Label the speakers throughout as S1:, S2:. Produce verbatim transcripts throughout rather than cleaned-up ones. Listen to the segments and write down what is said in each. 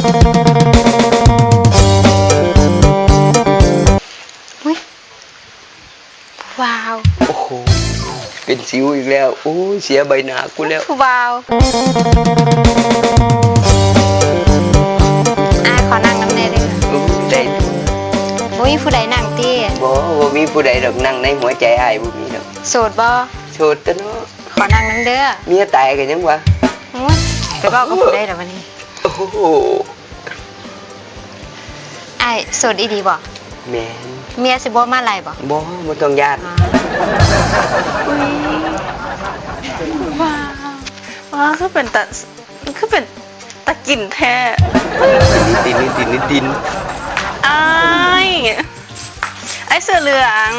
S1: อุ๊ยว้าว
S2: โอ้โหเป็นสิวอีกแล้วโอ้ยเสียใบหน้ากูแล้ว
S1: ว้าวอ่ะขอนั่งน้ำแน่เลย
S2: ได้
S1: บ่มีผู้ใดนั่งติ
S2: บ่บ่มีผู้ใดดอกนั่งในหัวใจอ้ายบ่มีดอก
S1: โสดบ่
S2: โสดตะเนาะ
S1: ขอนั่งน้ำเด้อ
S2: เมียตายกันยังวะ
S1: อุ๊ยไปบอกกับผู้ใดดอกวันนี้
S2: โอ้โห
S1: อ้ายโสดอีดีบ่
S2: แม่น
S1: เมียสิบ่มาไล่บ่
S2: บ่บ่ต้องญาติ
S3: ว้าวว้าวคือเป็นตะคือเป็นตะกินแท้
S2: นิดนิดนิดนิดดิน
S3: ไอ้ไอ้เสื้อเหลือง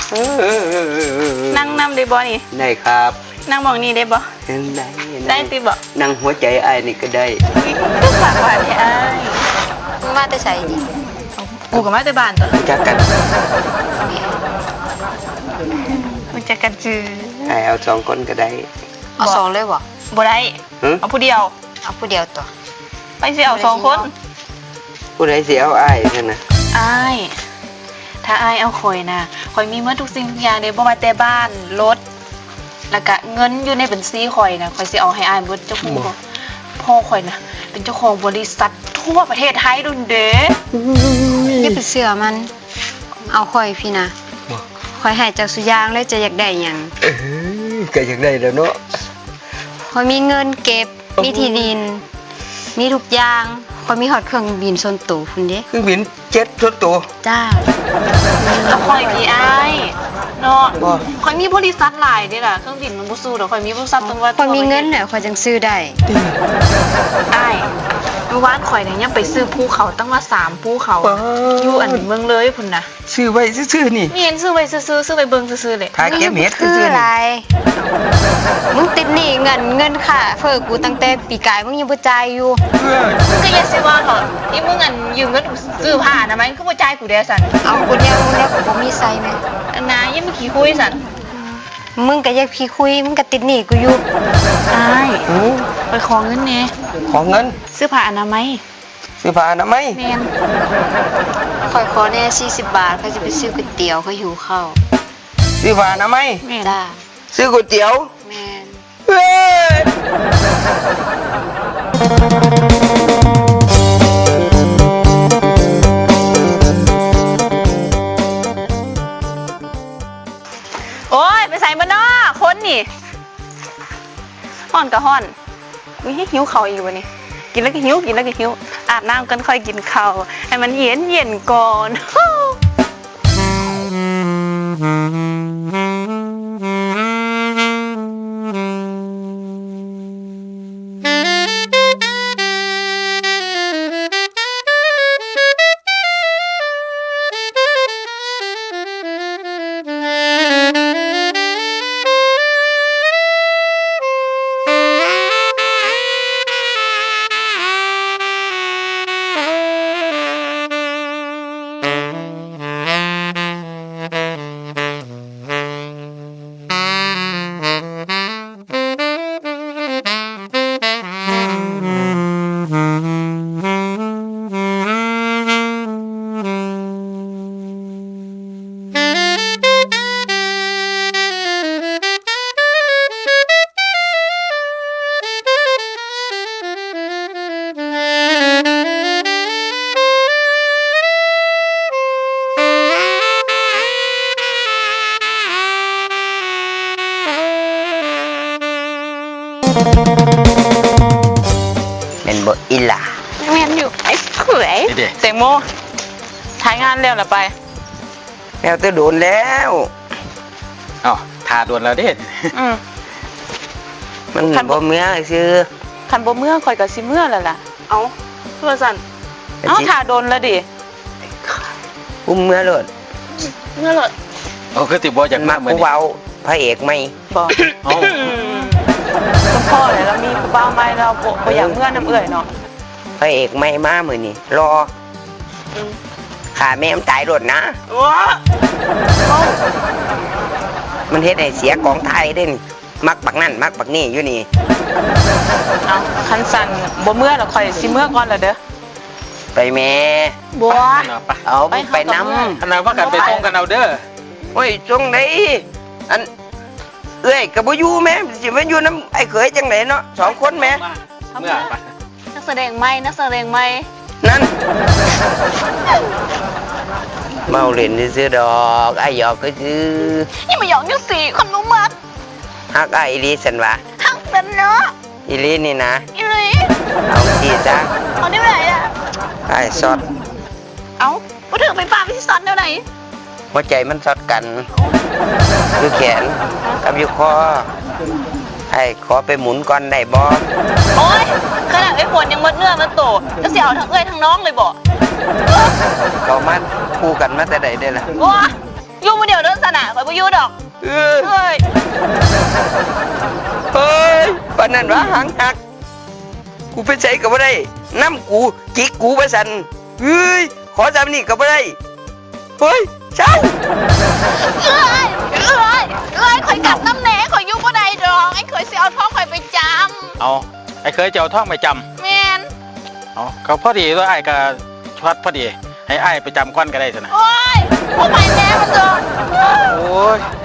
S3: นั่งนำได้บ่นี่
S2: ได้ครับ
S3: นั่งมองนี่ได้บ่
S2: ได้
S3: ได้ติบ่
S2: นั่งหัวใจอ้ายนี่ก็ได้
S3: ก็ฝากไว้ให้อ้าย
S1: มาแต่ไสนี่
S3: กูกับมาแต่บ้านตัว
S2: จักกัน
S3: มันจะกันจือ
S2: ให้เอาสองคนก็ได้
S1: เอาสองเลยบ่
S3: บ่ได้เอาผู้เดียว
S1: เอาผู้เดียวตัว
S3: ไปสิเอาสองคน
S2: ผู้ใดสิเอาอ้ายซั่นน่ะ
S3: อ้ายถ้าอ้ายเอาข่อยน่ะข่อยมีหมดทุกสิ่งทุกอย่างเด้บ่ว่าแต่บ้านรถแล้วก็เงินอยู่ในบัญชีข่อยน่ะข่อยสิเอาให้อ้ายเบิดเจ้าของพ่อข่อยน่ะเป็นเจ้าของบริษัททั่วประเทศไทยดุนเด้
S1: อย่าไปเชื่อมันเอาข่อยพี่นะข่อยให้เจ้าสุยางแล้วจะอยากได้หยัง
S2: เออก็อยากได้แล้วเนาะ
S1: ข่อยมีเงินเก็บมีที่ดินมีทุกอย่างข่อยมีฮอดเครื่องบินส่วนตัวพุ่นเด้
S2: เครื่องบินเจ็ตส่วนตัว
S1: จ้า
S3: แล้วข่อยพี่อ้ายเนาะข่อยมีบริษัทหลายเด้ล่ะเครื่องบินมันบ่สู้ดอกข่อยมีบริษัทตั้งว่า
S1: ข่อยมีเงินน่ะข่อยจังซื้อได้
S3: อ้ายเมื่อวานข่อยเนี่ยยังไปซื้อภูเขาตั้งว่าสามภูเขาอยู่อันเมืองเลยพุ่นน่ะ
S2: ซื้อไว้ซื่อๆนี่
S3: มีเห็นซื้อไว้ซื่อๆซื้อไว้เบิ่งซื่อๆเลย
S2: ถ้าเก็บเม็ด
S1: ซื่อๆอะไรมึงติดหนี้เงินเงินค่ะเพิ่นกูตั้งแต่ปีกายมึงยังบ่จ่ายอยู่
S3: มึงก็อย่าสิว่าเถอะอีมึงอันยืมเงินซื้อผ้าน่ะมั้ยคือบ่จ่ายกูเด้สั่น
S1: เอากูแนวมึงแล้วกูบ่มีใส่แม่
S3: อันน่ะยังมีขี้คุยสั่น
S1: มึงก็อยากพี่คุยมึงก็ติดหนี้กูอยู่
S3: อ้ายไปขอเงินแหน่
S2: ขอเงิน
S3: ซื้อผ้าอนามัย
S2: ซื้อผ้าอนามัย
S3: แม่น
S1: ข่อยขอแน่สี่สิบบาทเขาจะไปซื้อก๋วยเตี๋ยวเขาหิวข้าว
S2: ซื้อผ้าอนามัย
S1: แม่นจ้า
S2: ซื้อก๋วยเตี๋ยว
S1: แม่น
S2: เฮ้ย
S3: โอ้ยไปใส่บ่เนาะคนนี่ฮ้อนก็ฮ้อนอุ๊ยหิวข้าวอีกบ่นี่กินแล้วก็หิวกินแล้วก็หิวอาบน้ำกันค่อยกินข้าวให้มันเย็นเย็นก่อน
S2: เป็นบ่อิล่ะ
S3: แม่นอยู่ไอ้เขยแตงโมถ่ายงานแล้วล่ะไป
S2: แล้วจะโดนแล้ว
S4: อ๋อทาโดนแล้วเด้
S3: อืม
S2: มันบ่เมื่อซื่อ
S3: คันบ่เมื่อข่อยก็สิเมื่อแล้วล่ะเอ้าคือว่าซั่นเอ้าทาโดนแล้วดิ
S2: อุ้มเมื่อโลด
S3: เมื่อโลด
S4: โอ้คือติบ่อยากมาเหมือน
S2: เว้าพระเอกมั้ย
S3: บ่เอ้าคุณพ่อเนี่ยแล้วมีผู้บ่าวใหม่เราบ่อยากเมื่อน้ำเอื้อยเนาะ
S2: พระเอกใหม่มามื้อนี้รอขาแม่มันตายโดดนะมันเฮ็ดให้เสียของไทยเด้นมักบักนั่นมักบักนี่อยู่นี่
S3: เอาคันสั่นบ่เมื่อแล้วค่อยสิเมื่อก่อนล่ะเด้อ
S2: ไปแม่
S3: บัว
S4: เนาะไป
S2: เอา
S3: ไป
S2: ไป
S3: หากับ
S2: น้
S3: เพื่อน
S4: อันนั้นว่ากันไปส่งกันเอาเด้อ
S2: ำโอ้ยจงไหนอันเอ้ยกับบ่อยู่แม่สิมาอยู่น้ำไอ้เขยจังไหนเนาะสองคนแม่
S4: เมื่อไป
S3: นักแสดงใหม่นักแสดงใหม่
S2: นั่นเมาเล่นซื้อๆดอกไอ้หยอกก็ซื้อ
S3: นี่มาหยอกนิ้วสี่คนรู้มัก
S2: ฮักไอ้อีหลีสันวะ
S3: ฮักเป็นเนาะ
S2: อีหลีนี่นะ
S3: อีหลี
S2: เอาทีซะ
S3: เอาได้ไหนอะ
S2: ไอ้ซอด
S3: เอาพูดถึงไปป้าไปที่ซอนเดี๋ยวไหน
S2: หัวใจมันซอดกันอยู่แขนกับอยู่คอไอ้ขอไปหมุนก่อนได้บ่
S3: โอ๊ยขนาดไอ้ฝนยังมดเนื้อมันโตจะเสียเอาทั้งเอ้ยทั้งน้องเลยบ่
S2: เขามาคู่กันมาแต่ใดได้ล่ะ
S3: บัวอยู่มาเดี๋ยวเดินสนาข่อยบ่อยู่ดอก
S2: เออ
S3: เฮ้ย
S2: เฮ้ยปานนั้นวะหางหัก กูไปใช้กับบ่ได้น้ำกูจิกกูไปสั่นเฮ้ยขอจำนี่กับบ่ได้เฮ้ยเช้า
S3: เอ้ยเอ้ยเอ้ยข่อยกลับน้ำแหน่ข่อยอยู่บ่ได้ดอกไอ้ข่อยสิเอาท้องข่อยไปจ
S4: เอาไอ้เคยจะเอาท่องไปจ
S3: ำแม่น
S4: ำเอาเขาพอดีตัวไอ้ก็ช็อตพอดี ให้ไอ้ไปจำก้อนก็ได้สินะ
S3: โอ๊ยพวกไปแม่มันเถอะ
S4: โอ้ย